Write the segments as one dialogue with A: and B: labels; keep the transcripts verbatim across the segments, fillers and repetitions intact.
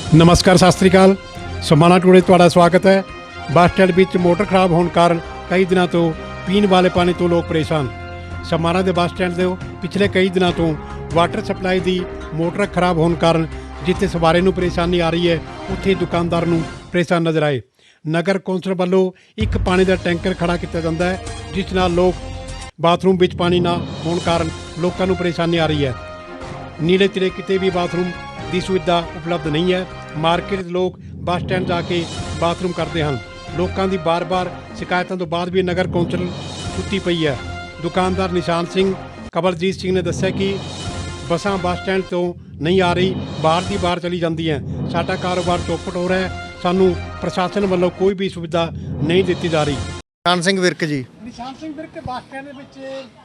A: नमस्कार सत श्री अकाल। समाना टूडे तुहाडा स्वागत है। बस स्टैंड विच मोटर खराब होने कारण कई दिनों तो पीने वाले पानी तो लोग परेशान। समाना के बस स्टैंड के पिछले कई दिनों तो वाटर सप्लाई की मोटर खराब होने कारण जिथे सवारी नूं परेशानी आ रही है उत्थे दुकानदार नूं परेशान नज़र आए। नगर कौंसल वालों एक पानी का टैंकर खड़ा किया जाता है जिस नाल लोग बाथरूम विच पानी ना होने कारण लोगों नूं परेशानी आ रही है। नीले तिरे किते भी बाथरूम की सुविधा उपलब्ध नहीं है। मार्केट लोग बस स्टैंड जाके बाथरूम करते हैं। लोगों की बार बार शिकायतों तो बाद भी नगर कौंसल सुती पई है। दुकानदार निशान सिंह कवलजीत सिंह ने दस्सिया कि बसां बस स्टैंड तो नहीं आ रही, बाहर की बाहर चली जाती हैं। साडा कारोबार चौपट हो रहा है, सानू प्रशासन वालों कोई भी सुविधा नहीं दी जा रही।
B: निशान सिंह विरक जी।
A: निशान सिंह विरक बस स्टैंड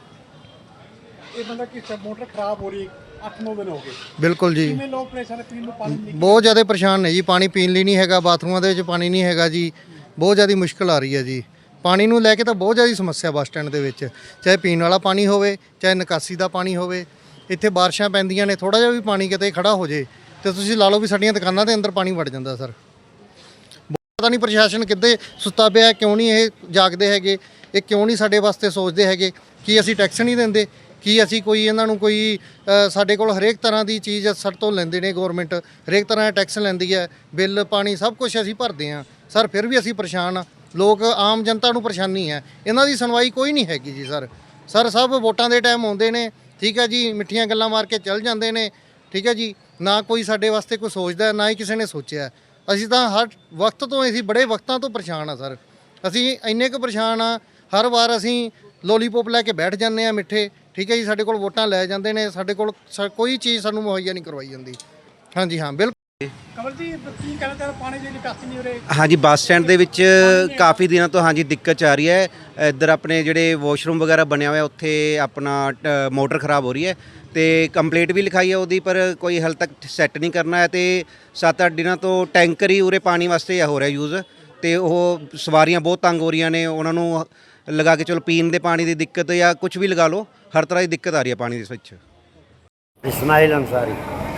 A: ये मतलब कि मोटर खराब हो रही अठ नौ दिन हो गए।
B: बिल्कुल जी,
A: लोग परेशान पीने नूं पानी नहीं,
B: बहुत ज़्यादा परेशान ने जी। पानी पीन ਲਈ नहीं हैगा, बाथरूमां ਦੇ ਵਿੱਚ ਪਾਣੀ नहीं हैगा जी। बहुत ज़्यादा मुश्किल आ रही है जी। पानी ਨੂੰ ਲੈ ਕੇ ਤਾਂ ਬਹੁਤ ਜ਼ਿਆਦਾ ਸਮੱਸਿਆ ਬੱਸ ਸਟੈਂਡ ਦੇ ਵਿੱਚ, ਚਾਹੇ ਪੀਣ ਵਾਲਾ ਪਾਣੀ ਹੋਵੇ ਚਾਹੇ ਨਿਕਾਸੀ ਦਾ ਪਾਣੀ ਹੋਵੇ। ਇੱਥੇ ਬਾਰਿਸ਼ਾਂ ਪੈਂਦੀਆਂ ਨੇ, ਥੋੜਾ ਜਿਹਾ ਵੀ ਪਾਣੀ ਕਿਤੇ ਖੜਾ ਹੋ ਜੇ ਤੇ ਤੁਸੀਂ ਲਾ ਲਓ ਵੀ ਸਾਡੀਆਂ ਦੁਕਾਨਾਂ ਦੇ ਅੰਦਰ ਪਾਣੀ ਵੜ ਜਾਂਦਾ ਸਰ। ਪਤਾ ਨਹੀਂ ਪ੍ਰਸ਼ਾਸਨ ਕਿੱਦੇ ਸੁੱਤਾ ਪਿਆ, ਕਿਉਂ ਨਹੀਂ ਇਹ ਜਾਗਦੇ ਹੈਗੇ, ਇਹ ਕਿਉਂ ਨਹੀਂ ਸਾਡੇ ਵਾਸਤੇ ਸੋਚਦੇ ਹੈਗੇ ਕਿ ਅਸੀਂ ਟੈਕਸ ਨਹੀਂ ਦਿੰਦੇ, ਕਿ ਅਸੀਂ ਕੋਈ ਇਹਨਾਂ ਨੂੰ ਕੋਈ ਸਾਡੇ ਕੋਲ ਹਰੇਕ ਤਰ੍ਹਾਂ ਦੀ ਚੀਜ਼ ਸਾਡੇ ਤੋਂ ਲੈਂਦੇ ਨੇ। ਗੌਰਮੈਂਟ ਹਰੇਕ ਤਰ੍ਹਾਂ ਦਾ ਟੈਕਸ ਲੈਂਦੀ ਹੈ, ਬਿੱਲ ਪਾਣੀ ਸਭ ਕੁਝ ਅਸੀਂ ਭਰਦੇ ਹਾਂ ਸਰ, ਫਿਰ ਵੀ ਅਸੀਂ ਪਰੇਸ਼ਾਨ ਹਾਂ। ਲੋਕ ਆਮ ਜਨਤਾ ਨੂੰ ਪਰੇਸ਼ਾਨੀ ਹੈ, ਇਹਨਾਂ ਦੀ ਸੁਣਵਾਈ ਕੋਈ ਨਹੀਂ ਹੈਗੀ ਜੀ ਸਰ। ਸਰ ਸਭ ਵੋਟਾਂ ਦੇ ਟਾਈਮ ਆਉਂਦੇ ਨੇ, ਠੀਕ ਹੈ ਜੀ, ਮਿੱਠੀਆਂ ਗੱਲਾਂ ਮਾਰ ਕੇ ਚੱਲ ਜਾਂਦੇ ਨੇ, ਠੀਕ ਹੈ ਜੀ। ਨਾ ਕੋਈ ਸਾਡੇ ਵਾਸਤੇ ਕੋਈ ਸੋਚਦਾ, ਨਾ ਹੀ ਕਿਸੇ ਨੇ ਸੋਚਿਆ। ਅਸੀਂ ਤਾਂ ਹਰ ਵਕਤ ਤੋਂ ਅਸੀਂ ਬੜੇ ਵਕਤਾਂ ਤੋਂ ਪਰੇਸ਼ਾਨ ਆ ਸਰ। ਅਸੀਂ ਇੰਨੇ ਕੁ ਪਰੇਸ਼ਾਨ ਆ, ਹਰ ਵਾਰ ਅਸੀਂ ਲੋਲੀਪੋਪ ਲੈ ਕੇ ਬੈਠ ਜਾਂਦੇ ਹਾਂ ਮਿੱਠੇ, ਠੀਕ ਹੈ ਜੀ। ਸਾਡੇ ਕੋਲ ਵੋਟਾਂ ਲੈ ਜਾਂਦੇ ਨੇ, ਸਾਡੇ ਕੋਲ ਕੋਈ ਚੀਜ਼ ਸਾਨੂੰ ਮੁਹੱਈਆ ਨਹੀਂ ਕਰਵਾਈ ਜਾਂਦੀ। ਹਾਂਜੀ ਹਾਂ ਬਿਲਕੁਲ।
A: ਕਮਲ ਜੀ ਕੀ ਕਹਿਣਾ ਚਾਹੁੰਦੇ, ਪਾਣੀ ਦੀ ਨਿਕਾਸੀ ਨਹੀਂ ਹੋ ਰਹੀ?
C: ਹਾਂਜੀ, ਬੱਸ ਸਟੈਂਡ ਦੇ ਵਿੱਚ ਕਾਫੀ ਦਿਨਾਂ ਤੋਂ ਹਾਂਜੀ ਦਿੱਕਤ ਆ ਰਹੀ ਹੈ। ਇੱਧਰ ਆਪਣੇ ਜਿਹੜੇ ਵਾਸ਼ਰੂਮ ਵਗੈਰਾ ਬਣਿਆ ਹੋਇਆ ਉੱਥੇ ਆਪਣਾ ਮੋਟਰ ਖਰਾਬ ਹੋ ਰਹੀ ਹੈ ਤੇ ਕੰਪਲੇਂਟ ਵੀ ਲਿਖਾਈ ਹੈ ਉਹਦੀ, ਪਰ ਕੋਈ ਹਾਲੇ ਤੱਕ ਸੈੱਟ ਨਹੀਂ ਕਰਨਾ ਹੈ। ਤੇ ਸੱਤ ਅੱਠ ਦਿਨਾਂ ਤੋਂ ਟੈਂਕਰ ਹੀ ਉਰੇ ਪਾਣੀ ਵਾਸਤੇ ਹੋ ਰਿਹਾ ਯੂਜ਼, ਤੇ ਉਹ ਸਵਾਰੀਆਂ ਬਹੁਤ ਤੰਗ ਹੋ ਰਹੀਆਂ ਨੇ। ਉਹਨਾਂ ਨੂੰ ਲਗਾ ਕੇ ਚਲੋ ਪੀਣ ਦੇ ਪਾਣੀ ਦੀ ਦਿੱਕਤ ਜਾਂ ਕੁਝ ਵੀ ਲਗਾ ਲਓ, हर तरह की दिक्कत आ रही है पानी के ਵਿੱਚ।
D: इस्माइल अंसारी।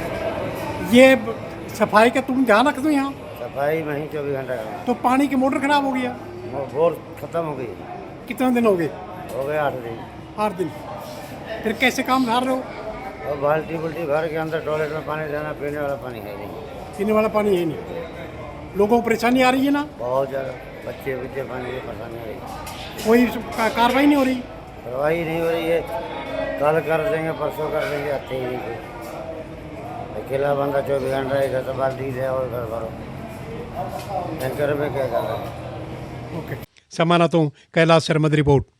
A: ये सफाई का तुम ध्यान रख दो यहाँ?
D: सफाई में ही चौबीस घंटा का।
A: तो पानी की मोटर खराब हो गया?
D: बोर खत्म हो गई।
A: कितने दिन हो गए?
D: हो गए आठ दिन।
A: आठ दिन। फिर कैसे काम कर रहे हो?
D: और बाल्टी बुल्टी भर के अंदर टॉयलेट में पानी देना, पीने वाला पानी है नहीं।
A: पीने वाला पानी है नहीं। लोगों को परेशानी आ रही है ना?
D: बहुत ज़्यादा, बच्चे बच्चे पानी की परेशानी आ रही।
A: कोई कार्रवाई नहीं हो रही?
D: कार्रवाई नहीं हो रही है। कल कर देंगे, परसों कर देंगे, आते ही नहीं कोई। अकेला बंदा चौबीस घंटा इधर से बाल्टी ले और घर भरो, टैंकर में क्या कर रहा है।
A: ओके। समाना तो कैलाश शर्मा की रिपोर्ट।